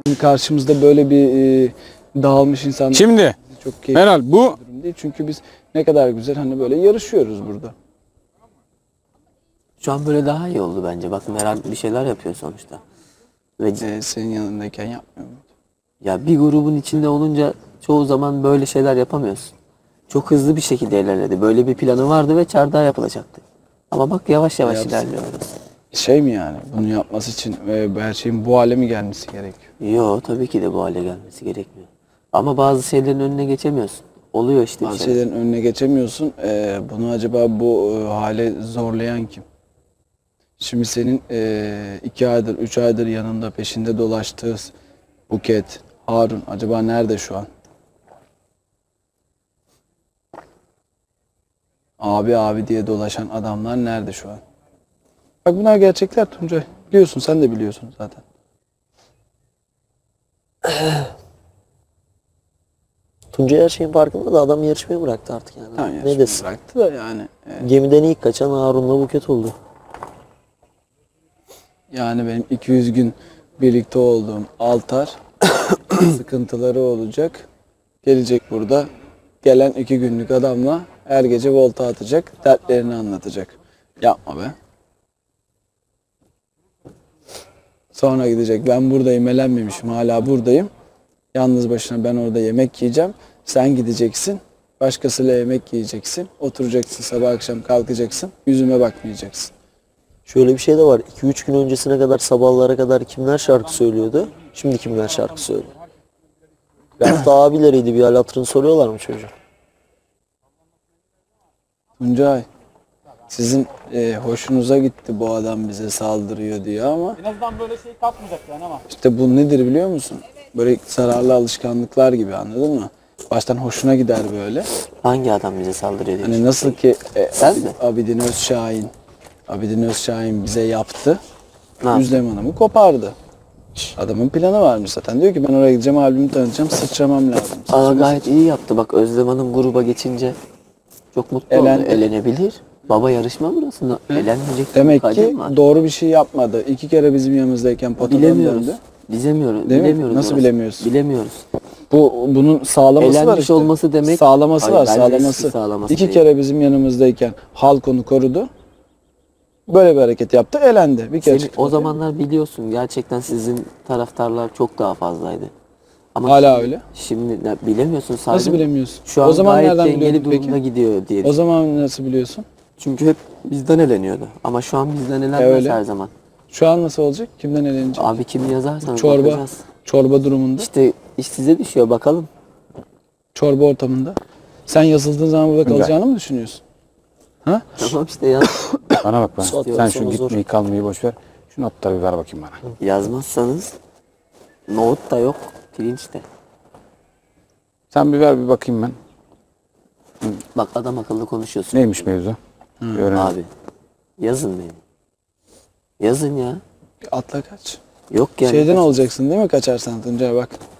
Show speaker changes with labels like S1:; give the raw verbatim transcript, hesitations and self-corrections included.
S1: karşımızda böyle bir e, dağılmış insanlar.
S2: Şimdi
S1: Çok keyifli
S2: Meral bu
S1: bir durum değil. Çünkü biz ne kadar güzel hani böyle yarışıyoruz burada.
S3: Şu an böyle daha iyi oldu bence. Bak Meral bir şeyler yapıyor sonuçta. Ve
S1: Ee, senin yanındayken yapmıyor muydu?
S3: ya bir grubun içinde olunca çoğu zaman böyle şeyler yapamıyorsun. Çok hızlı bir şekilde ilerledi. Böyle bir planı vardı ve çardağa yapılacaktı. Ama bak yavaş yavaş
S1: Yapsın.
S3: ilerliyoruz.
S1: Şey mi yani? Bunu yapması için e, her şeyin bu hale mi gelmesi gerekiyor?
S3: Yo tabii ki de bu hale gelmesi gerekmiyor. Ama bazı şeylerin önüne geçemiyorsun. Oluyor işte bir
S1: Bazı
S3: şeyler.
S1: şeylerin önüne geçemiyorsun. Ee, bunu acaba bu e, hale zorlayan kim? Şimdi senin e, iki aydır, üç aydır yanında peşinde dolaştığı Buket, Harun acaba nerede şu an? Abi abi diye dolaşan adamlar nerede şu an? Bak bunlar gerçekler Tuncay. Biliyorsun, sen de biliyorsun zaten.
S4: Tuncay her şeyin farkında da adam yarışmayı bıraktı artık yani.
S1: Tamam,
S4: ne
S1: yarışmayı
S4: desin?
S1: bıraktı da yani. e,
S4: Gemiden ilk kaçan Harun'la Buket oldu.
S1: Yani benim iki yüz gün birlikte olduğum Altar sıkıntıları olacak. Gelecek burada. Gelen iki günlük adamla her gece volta atacak. Dertlerini anlatacak. Yapma be. Sonra gidecek. Ben buradayım, elenmemişim. Hala buradayım. Yalnız başına ben orada yemek yiyeceğim. Sen gideceksin. Başkasıyla yemek yiyeceksin. Oturacaksın sabah akşam kalkacaksın. Yüzüme bakmayacaksın.
S4: Şöyle bir şey de var. iki üç gün öncesine kadar sabahlara kadar kimler şarkı söylüyordu? Şimdi kimler şarkı söylüyor? Bir hafta abileriydi, bir hal hatırını soruyorlar mı çocuğum?
S1: Tuncay, sizin e, hoşunuza gitti bu adam bize saldırıyor diyor ama
S2: en azından böyle şey kalkmayacak yani ama.
S1: işte bu nedir biliyor musun? Böyle zararlı alışkanlıklar gibi, anladın mı? Baştan hoşuna gider böyle.
S3: Hangi adam bize saldırıyor diye.
S1: Hani nasıl ki e,
S3: Sen mi?
S1: Abidin Özşahin, Abidin Özşahin bize yaptı.
S3: Ne yaptı?
S1: Özlem Hanım'ı kopardı. Adamın planı varmış zaten. Diyor ki ben oraya gideceğim, albümü tanıtacağım, sıçramam lazım.
S3: Aa, gayet iyi yaptı. Bak Özlem Hanım gruba geçince çok mutlu
S1: Elendi.
S3: oldu. Elenebilir. Baba yarışma burası. Elenmeyecek.
S1: Demek
S3: bir
S1: ki
S3: kadın var.
S1: doğru bir şey yapmadı. İki kere bizim yanımızdayken potadan
S3: Bilemiyoruz.
S1: döndü.
S3: Bilemiyoruz.
S1: Değil mi?
S3: Bilemiyoruz.
S1: Nasıl
S3: orası.
S1: bilemiyorsun?
S3: Bilemiyoruz.
S1: Bu bunun sağlaması var
S3: Elenmiş
S1: işte.
S3: olması demek-
S1: Sağlaması
S3: Hayır,
S1: var,
S3: bence
S1: sağlaması.
S3: eski sağlaması
S1: İki
S3: değil.
S1: kere bizim yanımızdayken halk onu korudu. Böyle bir hareket yaptı, elendi. Bir kere
S3: Seni,
S1: çıktı.
S3: o zamanlar biliyorsun gerçekten sizin taraftarlar çok daha fazlaydı. Ama
S1: Hala
S3: şimdi-
S1: öyle.
S3: Şimdi ne- bilemiyorsun sadece.
S1: Nasıl bilemiyorsun?
S3: Şu an
S1: O zaman
S3: gayet
S1: nereden
S3: dengeli
S1: biliyordun
S3: durumda
S1: peki?
S3: gidiyor diye.
S1: O zaman nasıl biliyorsun?
S3: Çünkü hep bizden eleniyordu. Ama şu an bizden elenmez
S1: öyle.
S3: her zaman.
S1: Şu an nasıl olacak? Kimden elenecek?
S3: Abi kimi yazarsanız
S1: Çorba.
S3: bakacağız.
S1: Çorba durumunda.
S3: İşte iş size düşüyor bakalım.
S1: Çorba ortamında. Sen yazıldığın zaman burada kalacağını mı düşünüyorsun? Ha?
S3: Tamam işte yaz.
S2: Bana bak ben.
S4: Suat
S2: Sen
S4: yoksa
S2: şu
S4: o zor.
S2: gitmeyi kalmayı boş ver. Şu notları bir ver bakayım bana.
S3: Yazmazsanız nohut da yok, pirinç de.
S2: Sen bir ver bir bakayım ben.
S3: Bak adam akıllı konuşuyorsun.
S2: Neymiş mevzu? Bir öğrenelim.
S3: Abi yazın benim. Yazın ya.
S1: Bir atla kaç.
S3: Yok yani.
S1: Şeyden olacaksın değil mi kaçarsan Tuncay bak.